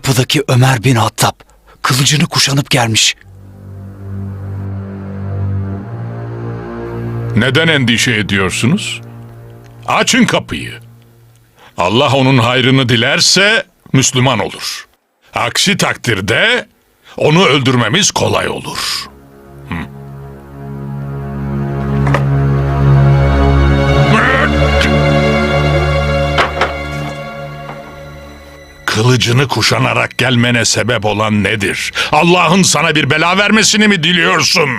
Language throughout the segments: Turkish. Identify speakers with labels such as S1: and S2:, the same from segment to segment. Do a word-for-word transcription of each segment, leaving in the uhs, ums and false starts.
S1: Kapıdaki Ömer bin Hattab kılıcını kuşanıp gelmiş.
S2: Neden endişe ediyorsunuz? Açın kapıyı. Allah onun hayrını dilerse Müslüman olur. Aksi takdirde onu öldürmemiz kolay olur. Hı. Kılıcını kuşanarak gelmene sebep olan nedir? Allah'ın sana bir bela vermesini mi diliyorsun?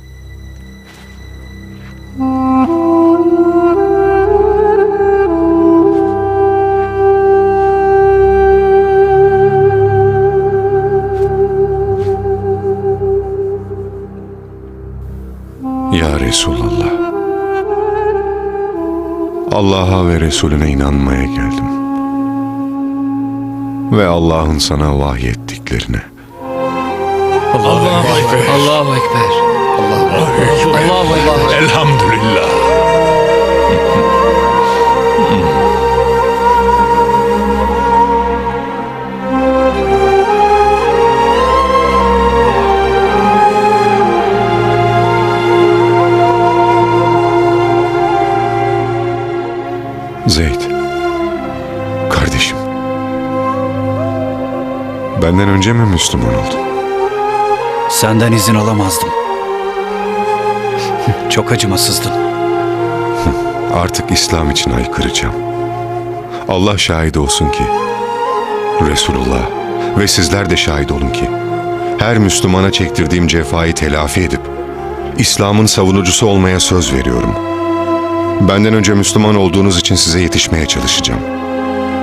S3: Ya Resulallah, Allah'a ve Resulüne inanmaya geldim. Ve Allah'ın sana vahyettiklerine.
S4: Allahu Ekber. Allahu Ekber. Allahu Ekber.
S2: Elhamdülillah.
S3: Zeyd, kardeşim, benden önce mi Müslüman oldun?
S1: Senden izin alamazdım. Çok acımasızdın.
S3: Artık İslam için haykıracağım. Allah şahit olsun ki, Resulullah ve sizler de şahit olun ki, her Müslümana çektirdiğim cefayı telafi edip, İslam'ın savunucusu olmaya söz veriyorum. Benden önce Müslüman olduğunuz için size yetişmeye çalışacağım.